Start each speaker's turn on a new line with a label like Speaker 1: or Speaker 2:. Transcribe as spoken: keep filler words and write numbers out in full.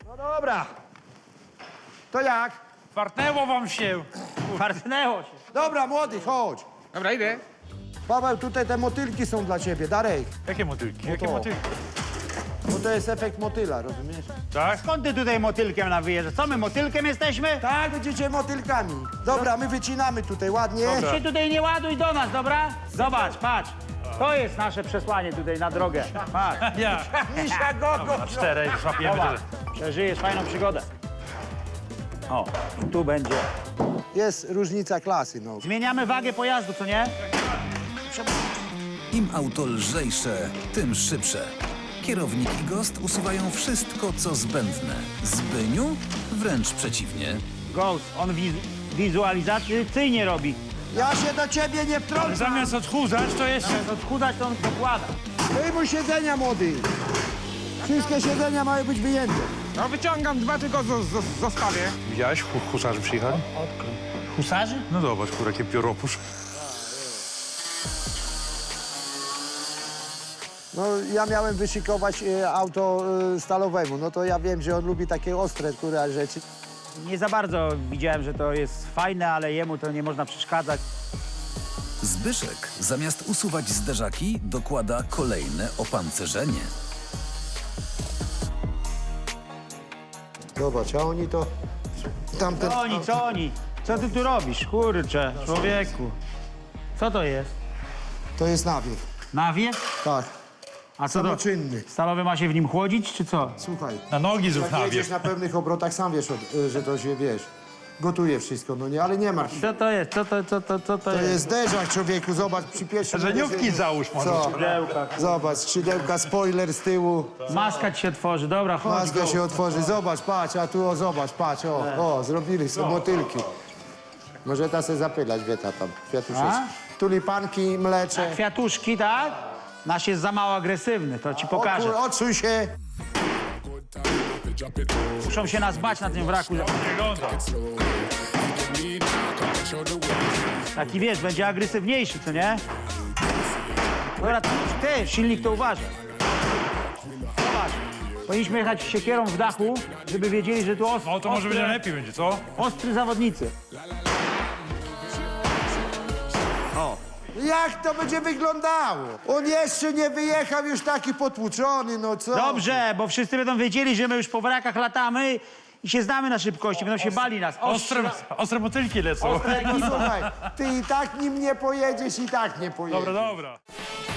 Speaker 1: No dobra. To jak?
Speaker 2: Fartnęło wam się.
Speaker 3: Fartnęło się.
Speaker 1: Dobra, młody, chodź.
Speaker 2: Dobra, idę.
Speaker 1: Paweł, tutaj te motylki są dla ciebie. Darek,
Speaker 2: Jakie motylki? Jakie
Speaker 1: to.
Speaker 2: motylki?
Speaker 1: bo to jest efekt motyla, rozumiesz?
Speaker 2: Tak?
Speaker 3: Skąd ty tutaj motylkiem na wyjeżdżasz? Co my, motylkiem jesteśmy?
Speaker 1: Tak, będziecie motylkami. Dobra, my wycinamy tutaj ładnie.
Speaker 2: Dobra.
Speaker 3: Się tutaj nie ładuj do nas, dobra? Zobacz, patrz. To jest nasze przesłanie tutaj na drogę. Patrz.
Speaker 2: Ja.
Speaker 1: Misia gogo.
Speaker 2: Na czterech złapiemy
Speaker 3: Zobacz.
Speaker 2: tyle.
Speaker 3: Przeżyjesz fajną przygodę. O, tu będzie.
Speaker 1: Jest różnica klasy, no.
Speaker 3: Zmieniamy wagę pojazdu, co nie?
Speaker 4: Im auto lżejsze, tym szybsze. Kierownik i gost usuwają wszystko, co zbędne. Zbyniu wręcz przeciwnie.
Speaker 3: Ghost, on wiz wizualizacyjnie robi.
Speaker 1: Ja się do ciebie nie wtrącam.
Speaker 2: Zamiast odchudzać, to jeszcze...
Speaker 3: Zamiast odchudzać, to on dokłada.
Speaker 1: Wyjmuj siedzenia, młody. Wszystkie siedzenia mają być wyjęte.
Speaker 5: No wyciągam dwa, tylko zo- zo- zostawię.
Speaker 2: Widziałeś? Husarzy przyjechali?
Speaker 3: Husarzy?
Speaker 2: No zobacz, kur, jakie pióropusz.
Speaker 1: No, ja miałem wyszykować e, auto e, stalowemu. No to ja wiem, że on lubi takie ostre, które rzeczy.
Speaker 3: Nie za bardzo widziałem, że to jest fajne, ale jemu to nie można przeszkadzać.
Speaker 4: Zbyszek zamiast usuwać zderzaki, dokłada kolejne opancerzenie.
Speaker 1: Zobacz, a oni to... Tamten...
Speaker 3: Co oni, co oni? Co ty tu robisz? Kurczę, człowieku. Co to jest?
Speaker 1: To jest nawiew.
Speaker 3: Nawiew?
Speaker 1: Tak,
Speaker 3: A co to?
Speaker 1: samoczynny.
Speaker 3: Stalowy ma się w nim chłodzić, czy co?
Speaker 1: Słuchaj,
Speaker 2: Na nogi zrób
Speaker 1: jak
Speaker 2: na
Speaker 1: jedziesz na pewnych obrotach, sam wiesz, od- e, że to się, wiesz, gotuje wszystko, no nie, ale nie martw się.
Speaker 3: Co to jest? Co to, co to, co to,
Speaker 1: To
Speaker 3: jest?
Speaker 1: jest zderzak, człowieku, zobacz, przy pierwszym...
Speaker 2: Żeniówki
Speaker 1: uderzeniu.
Speaker 2: załóż może.
Speaker 1: Co?
Speaker 3: Skrzydełka.
Speaker 1: Zobacz, skrzydełka, spoiler z tyłu,
Speaker 3: Maska ci się tworzy, dobra, chodź.
Speaker 1: maska się otworzy, zobacz, patrz, a tu, o, zobacz, patrz, o, o, zrobili są motylki. Może ta se zapylać, wieta tam, kwiatuszeczki. Tulipanki, mlecze.
Speaker 3: Kwiatuszki, tak? Nasz jest za mało agresywny, to ci pokażę.
Speaker 1: Odczuj, odczuj się.
Speaker 3: Muszą się nas bać na tym wraku.
Speaker 2: Wygląda.
Speaker 3: Taki wiesz, będzie agresywniejszy, co nie? Dobra, ty, ty silnik to uważaj. Zobacz, powinniśmy jechać siekierą w dachu, żeby wiedzieli, że tu ostry,
Speaker 2: No to może będzie
Speaker 3: ostre,
Speaker 2: lepiej będzie, co?
Speaker 3: ostry zawodnicy.
Speaker 1: Jak to będzie wyglądało? On jeszcze nie wyjechał, już taki potłuczony, no co?
Speaker 3: Dobrze, bo wszyscy będą wiedzieli, że my już po wrakach latamy i się znamy na szybkości, będą się bali nas.
Speaker 2: Ostre, ostre motylki lecą.
Speaker 3: Ostre jak nic.
Speaker 1: Słuchaj, ty i tak nim nie pojedziesz, i tak nie pojedziesz.
Speaker 2: Dobra, dobra.